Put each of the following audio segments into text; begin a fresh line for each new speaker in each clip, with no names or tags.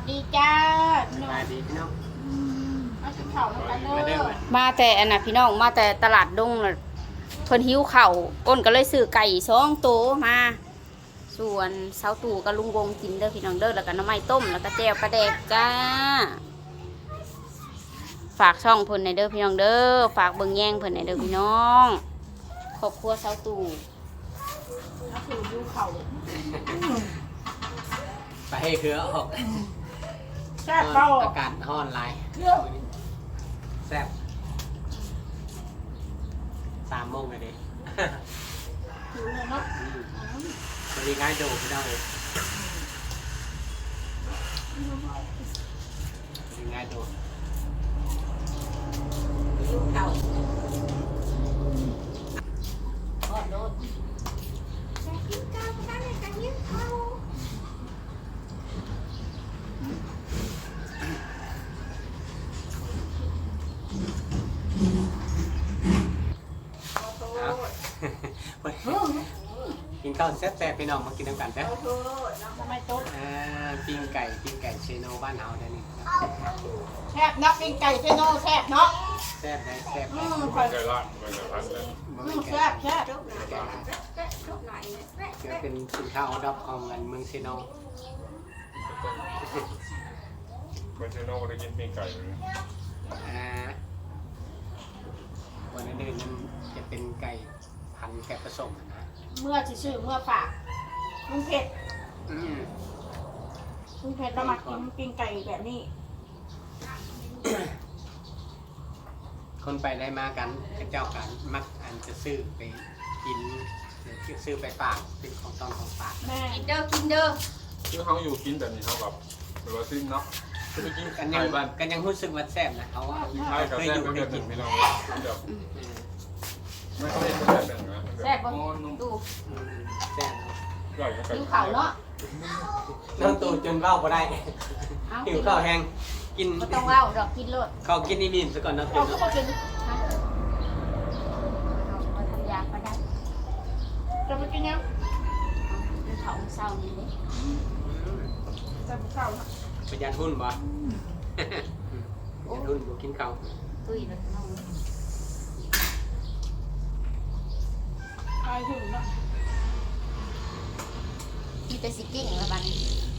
ดีจ้า
สบายดีพี่น้อง
มาถึงเขาแล้วกันเด้อ
มาแต่อันน่ะพี่น้องมาแต่ตลาดดงน่ะเพิ่นหิวข้าวอ้นก็เลยซื้อไก่2ตัวมาส่วนเสาตู่กับลุงวงกินเด้อพี่น้องเด้อแล้วก็น้ำไม้ต้มแล้วก็แจ่วปลาแดกจ้าฝากช่องเพิ่นในเด้อพี่น้องเด้อฝากเบิ่งแย่งเพิ่นในเด้อพี่น้องครอบครัวเสาตู่
ก็คือดูเขา
ไปให้เครือออก
แซ่บเปล่า
อากาศร้อนหลายแซ่บ3 โมงเลยดิ
อยู่เลยเนาะ
สวัสดีง่ายโดพี่น้องเลยสวัสดีง่ายโด
ดูเขาโอ้โหจะกินข้าวกันเลยจะกินข้าว
กินข้าวแซ่บๆพี่น้องมากินน้ำกันแซ่บ
โอ้โหน้ำไม่ต้ม
ปิ้งไก่เชโนบ้านเฮาได้นี่
แซ่บนักเป็นไก่เซโน่แซ่บเนาะ
แซ่บได้แซ่บ
คอย
ไก่ล่างไก่พันเลย
แซ่บแซ่บ
จะเป็นสินค้าออดับของเมืองเชโน
ไม่ใช่นอกได้กินปิ้งไก่เลย
วันนั้นนั้นจะเป็นไก่พันแกะผสมนะ
เมื่อชื่อเมื่อฝากลุงเพชรลุงเพชรเรามากินปิ้งไก่แบบนี้
คนไปได้มากันเจ้ากันมักอันจะซื้อไปกินซื้อไปฝากเป็นของต้นของฝาก
แม่
กินเด้อกินเด้อ
คือเขาอยู่กินแบบนี้เท่ากับเวลาซิ้นเนาะจะไปกิน
กัน
ไก่บ้าน
ยังรู้สึกว่าแซ่บนะเขาว่า
ไก่กับ
เคย
แซ่
อบ ยู่
ก็
ได้
แบบห
กิ
นึ่
น
งพี่น้องแบบไม่ค่อยเป็นแบบนั้น
แซ่บบ่ตู่
แซ่บ
ไก่กับไก่
หิวข้าวเนาะ
น้องตูจนเบ้าก็ได้
เอา
หิวข้าวแห้งกิน
บ่ต้องเว้าดอกกินโลด
ข้าวกินนี่มีซะก่อนนะ
เราก็มากิน
ฮะเอาทำยาก็ได้
จะไปกินยัง
เอาเขาเศร้านี่เด้
จะไปข้าวนะ
ประหยัดหุ้นบ่ประหยัดหุ้นบ่กินข้าว
ตุ้ยแล้วน้อง
ไปถึงนะ
มีแต่สิกิ้งละบัดนี้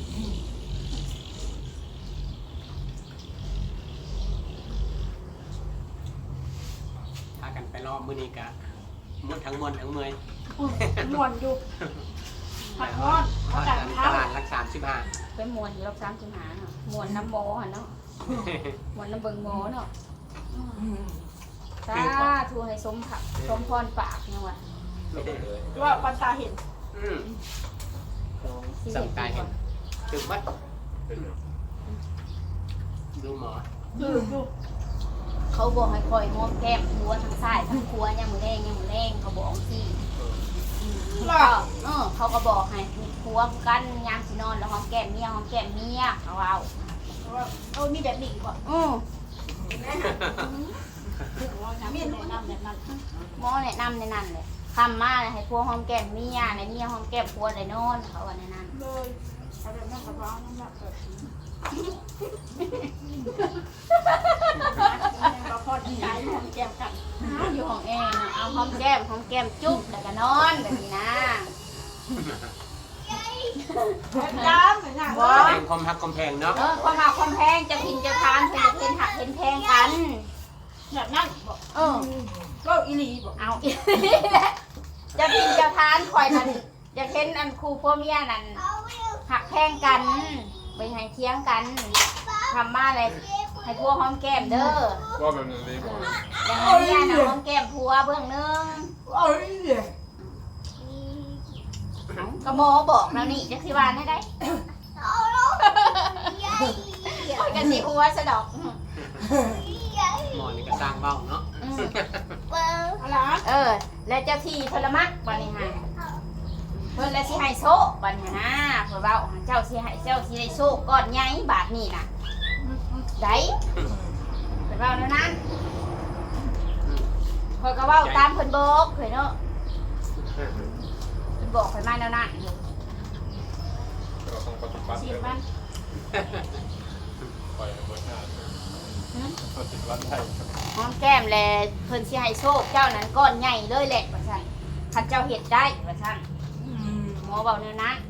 พากันไปรอบมื้อนี้กะมดทั้งเมื่อย
หมวนอยู่ผัดร้อน
ท
อา
อด
กาศ
กัน
เท้า
ตลาดรัก35
ไปมวนอยู่รอบ35เนาะมวนน้ำโมหั่นเนาะมวนน้ำเบิงโมเนาะสาธุให้สมผักสมพรปากเนี่ยว่ะ
ว่าปันตาเห็น
สัมตายเห็นถึงวัดดูหมอ
คือดู
เขาบอกให้คอยหอมแก้มหัวทั้งซ้ายทั้งขวายังมือแรงยังมือแรงเขาบอกสิเขาก็บอกให้หัวกันยามสินอนแล้วหอมแก้มเมียหอมแก้มเมียเขาเอา
ว่าเอามีแบบนี้ก่อน มีแนะนำแบบนั้น
หมอแนะนำในนั้นเลยคำมาให้ผัวหอมแก้มเมียในเมียหอมแก้มผัวได้นอนเขาว่าในนั้น
เลยเอาแบบนั้นกับร้อนน้ำหนักแบบเราพอดีใจหอมแก้มกัน
อยู่ของเองเอาหอมแก้มจุ๊บแล้วก็นอนแบบนี้นะ
ย้ำเหมือนกัน
แพงความฮักความแพงเนาะ
ความหักความแพงจะพินจะทานจะเป็นหักเป็นแพงกัน
แบบนั้นบอก ก็อีลีบอก
เอาจะพินจะทานคอยนั่นจะเห็นอันครูพ่อเมียนั่นหักแพงกันไปให้เที่ยงกันทำมาอะไรให้พัวหอมแก้มเด้อ
ว่าแบบนี้บอก
อย่างเมียน่ะหอมแก้มพัวเบื้องนึง
เอ้ย
ก็หมอบอกแล้วนี่จักสิวานได้ได้คอยกันสิหัวสะดอก
หมอนี่ก็สร้างเบ้าเนาะ
อะไร
แล้วเจ้าที่พลมักบัดนี้ฮะเพิ่นแล้วสิให้โซบัดนี้นะเพิ่นเว้าเจ้าสิให้เจ้าสิได้โซก้อนใหญ่บาทนี้น่ะได้เพิ่นเว้าแนวนั้นเพิ่นก็เว้าตามเพิ่นบอกเพิ่นเนาะเพิ่นบอกเพิ่นมาแนวนั้น
เราต้องปฏิบัติ
ฉี
เล
ด
ย
มัน
ร้านไทย
หอมแก้มแลเพิ่นสิให้โชคเจ้านั้นก้อนใหญ่เลยแหละว่าซั่นคันเจ้าเฮ็ดได้ว่าซั่นหมอเว้าแนวนั้น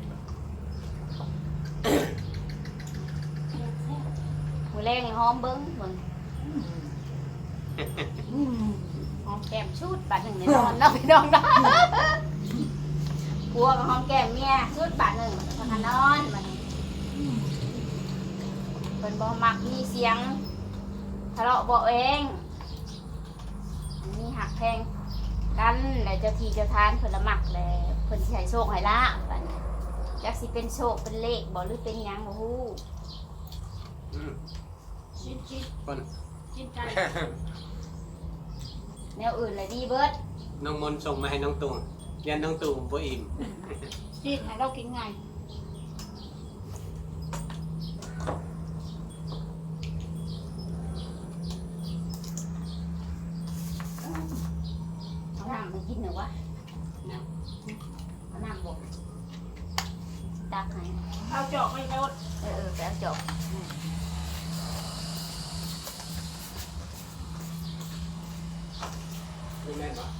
มื้อแรกนี่หอมเบิ่งหอมแก้มชุดบาทหนึ่งในนอนเนาะพี่น้องเนาะผัวกับหอมแก้มเมียชุดบาทหนึ่งพากันนอนมันเป็นบ่มักมีเสียงทะเลาะเบาะเองมีหักแพงกันแล้วเจ้าที่เจ้าทานเพิ่นละมักแล้วเพิ่นสิให้โชคให้ลาบบัดนี้จักสิเป็นโชคเป็นเลขบ่หรือเป็นหยังบ่ฮู้
ชิ้น
คน
ไก่
แนวอื่นเลยดีเบิด
น้องมนต์ส่งมาให้น้องตู่ยันน้องตู่บ่อิ่ม
ชิ้นให้เรากินไง
เอาน้ำมากินหน่อยวะเอาน้ำบ่ตักให้
เอาจอกไม่ลด
ไปเอาจบ
ไม่แม่นวะ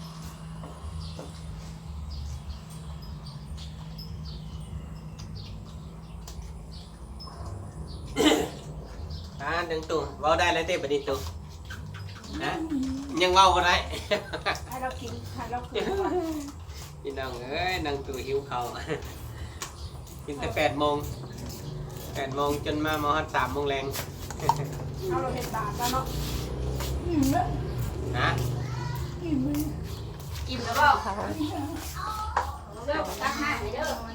น้องตู่เว้าได้แล้วเต้บัดนี้ตู่นะยังเว้าบ่ได้
ให้เรากินให้เรากิน
พี่น้องเอ้ยนางตู่หิวเขาว กินแต่8 โมงจนมาฮอด3 โมงแรง
เอาเราเห็ดบาทแล้วเนาะแล้ว
นะ
อิ่มเลย
อิ่มแล้วบ่ค่ะเด้อตักน้ำให้เด้อ
ไม่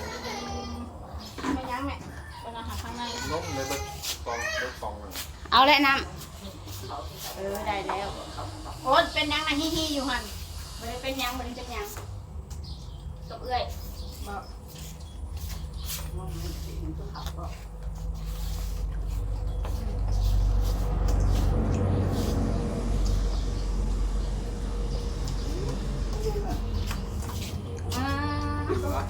ยั้งแม่เป็นอาหารข้างใน
นมในเบิดกองเบิดกองเลย
เอาแล้วน้ำได้แล้ว
โอ้เป็นยังไงฮีอยู่หัน
บ่ได้เป็นหยังบ่ได้เป็นหยังตบเอื้อย
บอก
อ่า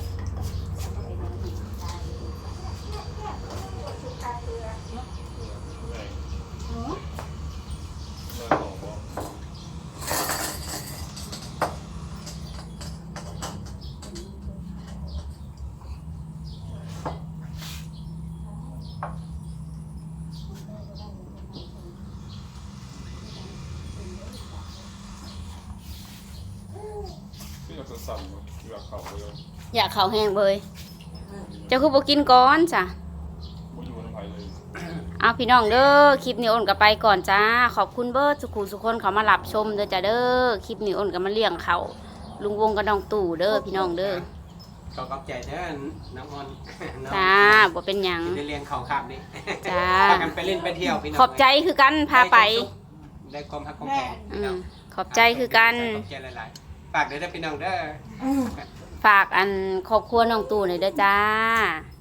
ไง
หนู
เลิกของบ่ ที่เราสั่นๆอยากเข้าไปเลย
อยากข้าวแห้งเบยเจ้าคือบ่กินก่อนจ้ะ
บ่อยู่ในไผเลย
เอาพี่น้องเด้อคลิปนี้อ้นก็ไปก่อนจ้าขอบคุณเบิร์ดสุขุสุคนเขามารับชมเด้อจ้าเด้อคลิปนี้อ้นก็มาเลี้ยงเขาลุงวงกับน้องตู่เด้อพี่น้องเด้อ
ขอขอบใจเด้อน้องมนต์น้อง
จ้าบ่เป็นหยัง
ที่ได้เลี้ยงเขาครับนี่
จ้า
พากันไปเล่นไปเที่ยวพี่น้อง
ขอบใจคือกันพาไป
ได้ความรักความแพงพี่น้อง
ขอบใจคือกัน
ขอบใจหลายๆฝากเด้อพี่น้องเด้อ
ฝากอันครอบครัวน้องตู่หน่อยเด้อจ้า
ค